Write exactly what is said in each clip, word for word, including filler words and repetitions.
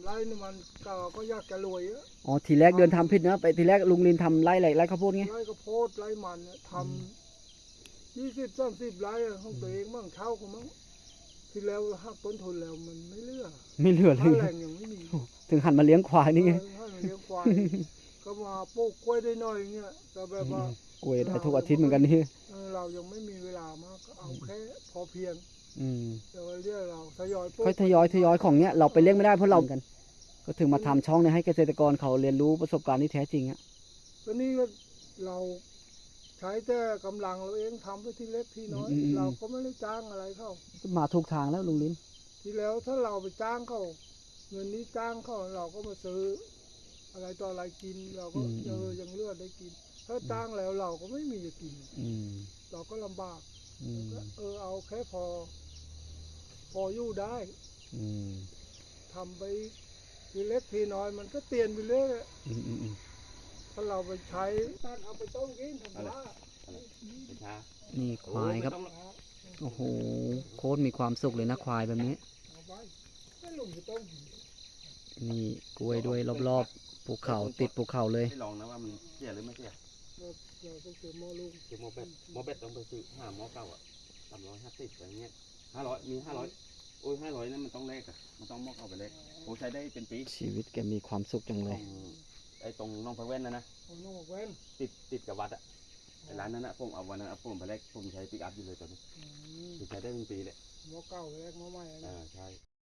ไร่นี่มันก็ก็อยากจะรวยอะอ๋อทีแรกเดินทำผิดนะไปทีแรกลุงลินทำไร่อะไรไร่ข้าวโพดไงไร่ข้าวโพดไร่มันเนี่ยทำยี่สิบสามสิบไร่ของตัวเองมั่งเช่าเขามั่งที่แล้วหักต้นทุนแล้วมันไม่เหลือไม่เหลือเลค่าย แรงยังไม่มีถึงหันมาเลี้ยงควายนี่ไงเออถ้าเราเลี้ยงควายก็มาปลูกกล้วยได้หน่อยเงี้ยแต่แบบว่ากล้วยได้ทุกอาทิตย์เหมือนกันนี่เออเรายังไม่มีเวลามากก็เอาแค่พอเพียงอืมเดี๋ยวเรียกเราทยอยปลูกค่อยทยอยทยอยของเนี้ยเราไปเลี้ยงไม่ได้เพราะเรากัน ก็ถึงมาทำช่องเนี่ยให้เกษตรกรเขาเรียนรู้ประสบการณ์ที่แท้จริงอ่ะตอนนี้ก็เราใช้แต่กำลังเราเองทำไปที่เล็กที่น้อยเราก็ไม่ได้จ้างอะไรเขามาถูกทางแล้วลุงลินที่แล้วถ้าเราไปจ้างเขาเงินนี้จ้างเขาเราก็มาซื้ออะไรต่ออะไรกิน เราก็เออยังเลือดได้กิน ถ้าจ้างแล้วเราก็ไม่มีจะกินอืมเราก็ลำบากอืมก็เออเอาแค่พอ พออยู่ได้อืมทำไปทีเล็กทีน้อยมันก็เตียนไปเรื่อยอืมอืมอืมถ้าเราไปใช้ตัดเอาไปต้มกินทำว่านี่ควายครับโอ้โหโคตรมีความสุขเลยนะควายแบบนี้เอาไปไม่ลงไปต้มกินนี่กล้วยด้วยรอบๆภูเขาติดภูเขาเลยไม่ลองนะว่ามันเสียหรือไม่เสียเราเราต้องเจอหม้อลูกคือโมเบตโมเบตต้องไปซื้อห้าหม้อเก่าอ่ะสามร้อยห้าสิบอะไรเงี้ยห้าร้อยมีห้าร้อยโอ้ยห้าร้อยนั่นมันต้องแลกอ่ะมันต้องหม้อเก่าไปแลกโอ้ใช้ได้เป็นปีชีวิตแกมีความสุขจังตเลรยงไอ้ตรงน้องพระเว้นนะนะเอาน้องบอกเว้นติดติดกับวัดอ่ะไอ้ร้านนั้นนะผมเอาวันนั้นเอาผมไปแลกผมใช้ปิกอัพอยู่เลยตอนนี้อืมคือใช้ได้เป็นปีเลยหม้อเก่าแรกหม้อใหม่นะอ่าใช่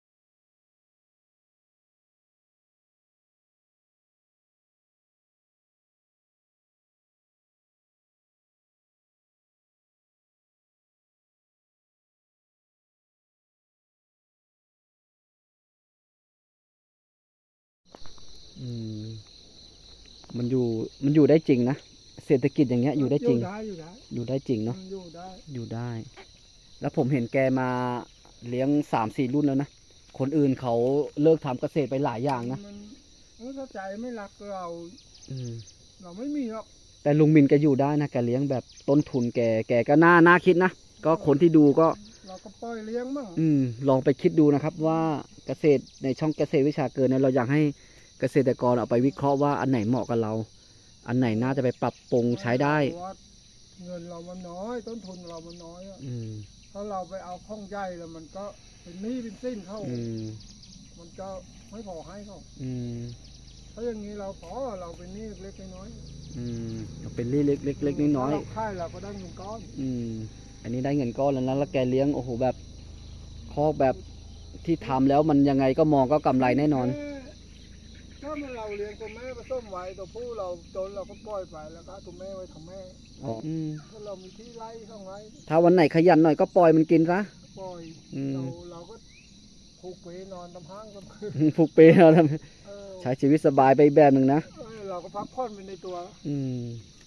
อืมมันอยู่มันอยู่ได้จริงนะเศรษฐกิจอย่างเงี้ยอยู่ได้จริงอยู่ได้อยู่ได้อยู่ได้จริงเนาะอยู่ได้อยู่ได้ แล้วผมเห็นแกมาเลี้ยงสามสี่รุ่นแล้วนะคนอื่นเขาเลิกทำเกษตรไปหลายอย่างนะมันมันถ้าใจไม่รักเราอืมเราไม่มีหรอกแต่ลุงมินแกอยู่ได้นะแกเลี้ยงแบบต้นทุนแกแกก็น่าน่าคิดนะก็คนที่ดูก็เราก็ปล่อยเลี้ยงมั่งอืมลองไปคิดดูนะครับว่าเกษตรในช่องเกษตรวิชาเกินเนี่ยเราอยากให้เกษตรกรเอาไปวิเคราะห์ว่าอันไหนเหมาะกับเรา อันไหนน่าจะไปปรับปรุงใช้ได้เพราะว่าเงินเรามันน้อย ต้นทุนเรามันน้อยอะอืมถ้าเราไปเอาข้องใหญ่แล้วมันก็เป็นหนี้เป็นสิ้นเข้าอืมมันก็ไม่พอให้เขาอืมถ้าอย่างนี้เราพอเราเป็นหนี้เล็กๆน้อยอืมเอาเป็นเล็กเล็กๆเล็กๆน้อยถ้าเราค่ายเราก็ได้เงินก้อนๆอืม อันนี้ได้เงินก้อนแล้วนะแล้วแกเลี้ยงโอ้โหแบบคอกแบบที่ทำแล้วมันยังไงก็มองก็กำไรแน่นอนถ้ามันเราเลี้ยงตัวแม่ผสมไว้ตัวผู้เราจนเราก็ปล่อยไปแล้วก็เอาตัวแม่ไว้ทำแม่อืมถ้าเรามีที่ไร่ข้างไว้ถ้าวันไหนขยันหน่อยก็ปล่อยมันกินซะปล่อยอืมเราเราก็ผูกเปนอนตำห้างตำคืนผูกเปย์เราทเออำใช้ชีวิตสบายไปอีกแบบหนึ่งนะเออเราก็พักผ่อนไปในตัวอืม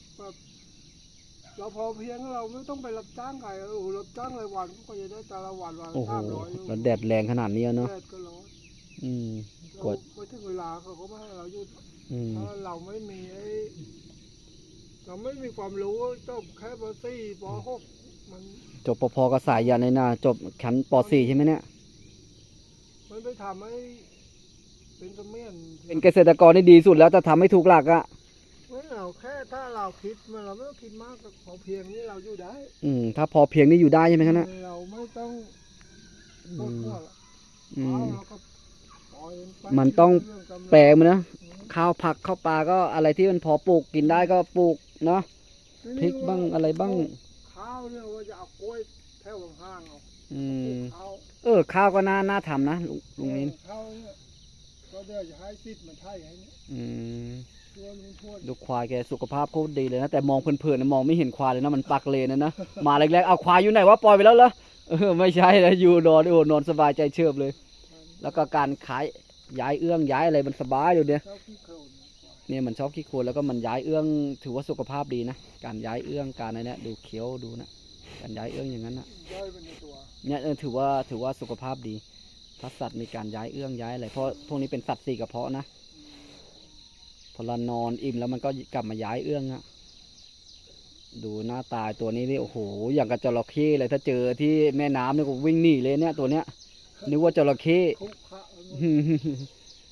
เราพอเพียงเราไม่ต้องไปรับจ้างใครโอ้โหรับจ้างรายวันก็จะได้แต่ละวันวันโอ้ละโหสามร้อยแล้วแดดแรงขนาดนี้อะเนาะแดดก็ร้อนอืม กเราดไปถึงเวลาเขาก็ไม่ให้เราหยุดอืมถ้าเราไม่มีไอ้เราไม่มีความรู้จบแค่ปสี่ปหกมันจบปพกับสายยานในนาจบชั้นปสี่ใช่ไหมเนี่ยมันไปทำให้เป็นเสมียนเป็นเกษตรกรที่ดีสุดแล้วจะทำให้ถูกหลักอะไม่เอาแค่ถ้าเราคิดมันเราไม่ต้องคิดมากพอเพียงนี้เราอยู่ได้อืม ถ้าพอเพียงนี่อยู่ได้ใช่ไหมครับเนี่ยเราไม่ต้องปวดหัวหรอกอืมเอาเราก็ปล่อยไปมันต้องเรื่กำลังแปลงมันนะ ข้าวผักข้าวปลาก็อะไรที่มันพอปลูกกินได้ก็ปลูกเนาะ พริกบ้างอะไรบ้างข้าวเนี่ยว่าจะเอากล้วยแถวข้างๆเอาอืมข้าวเออ ข้าวก็น่าน่าทำนะลุงลุงนินข้าวเนี่ยก็เดี๋ยวจะให้ซิดมันไทยให้เนี่ยอืมตัวลุงทวดดูควายแกสุขภาพโคตรดีเลยนะ แต่มองเพลินๆนะมองไม่เห็นควายเลยนะมันปักเลนนะนะ มาแรกๆเอาควายอยู่ไหนวะปล่อยไปแล้วเหรอเออไม่ใช่นะอยู่นอนโอ้นอนสบายใจเชิบเลย แล้วก็การขายย้ายเอื้องย้ายอะไรมันสบายอยู่เนี่ยเจ้าขี้โคลนเนี่ยมันชอบขี้โคลนแล้วก็มันย้ายเอื้องถือว่าสุขภาพดีนะการย้ายเอื้องการอะไรเนี่ยดูเคี้ยวดูนะการย้ายเอื้องอย่างนั้นนะย่อยไปในตัวเนี่ยเออถือว่าถือว่าสุขภาพดีถ้าสัตว์มีการย้ายเอื้องย้ายอะไรเพราะพวกนี้เป็นสัตว์สี่กระเพาะนะพอเรานอนอิ่มแล้วมันก็กลับมาย้ายเอื้องอะดูหน้าตาตัวนี้นี่โอ้โหอย่างกับจระเข้เลยถ้าเจอที่แม่น้ำเนี่ยก็วิ่งหนีเลยเนี่ยตัวเนี้ยนึกว่าจระเข้คุกคะน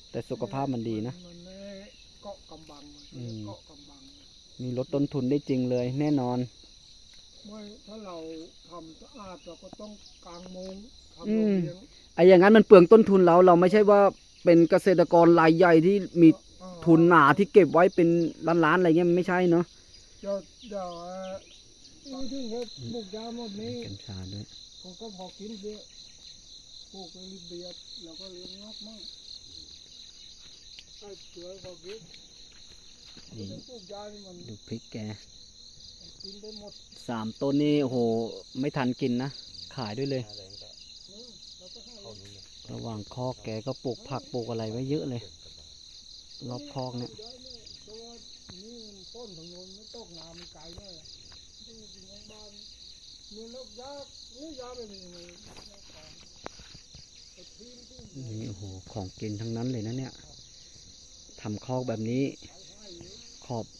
แต่สุขภาพมันดีนะมันไม่เกาะกำบังมันอืมเกาะกำบังมีลดต้นทุนได้จริงเลย แน่นอนไม่ถ้าเราทำสะอาดเราก็ต้องกางมุ้งทำอืโรงมเลี้ยงไอ้อย่างนั้นมันเปลืองต้นทุนเราเราไม่ใช่ว่าเป็นเกษตรกรรายใหญ่ที่มีอ่าทุนหนาที่เก็บไว้เป็นล้านๆอะไรเงี้ยมันไม่ใช่เนาะเดี๋ยวเดี๋ยวเอ่อนี่ถึงเขาปลูกยาหมดนี้กัญชาด้วยเขาก็พอกินเบี้ยปลูกไปริบเบียดแล้วก็เลี้ยงงอกมั่งไอ้เสือพอกินนี่ไม่ปลูกยานี่มันดูพริกแกกินได้หมดสามต้นนี่โอ้โห ไม่ทันกินนะ ขายด้วยเลยหน้าแรงก็อืมแล้วก็ให้เข้านู้นเลยระหว่างคอกแกก็ปลูกผักปลูกอะไรไว้เยอะเลย รอบคอกเนี่ยย้ายเนี่ยเพราะว่านี่มันต้นทางโน้นไม่ตกน้ำมันไกลแน่ดูถึงทางบ้านเมืองแล้วยากนี่ยาไปมีเลยไอ้ทีมที่นี่โอ้โห ของกินทั้งนั้นเลยนะเนี่ยทำคอกแบบนี้ ขอบ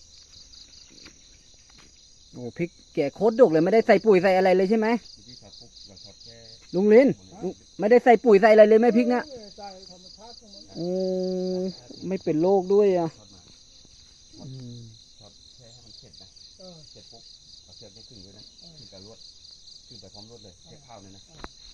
โอ้พริกแกโคตรดกเลยไม่ได้ใส่ปุ๋ยใส่อะไรเลยใช่ไหมที่เขาปุ๊บเราทอดแค่ลุงลินลุงไม่ได้ใส่ปุ๋ยใส่อะไรเลยไหมพริกเนี่ยใจธรรมชาติของมันโอ้ไม่เป็นโรคด้วยอ่ะทอดมาอืมทอดแค่ให้มันเสร็จนะเออเสร็จปุ๊บเอาเชือกนี่ขึ้นด้วยนะขึ้นกับลวดขึ้นไปพร้อมลวดเลยแค่ข้าวเนี่ยนะ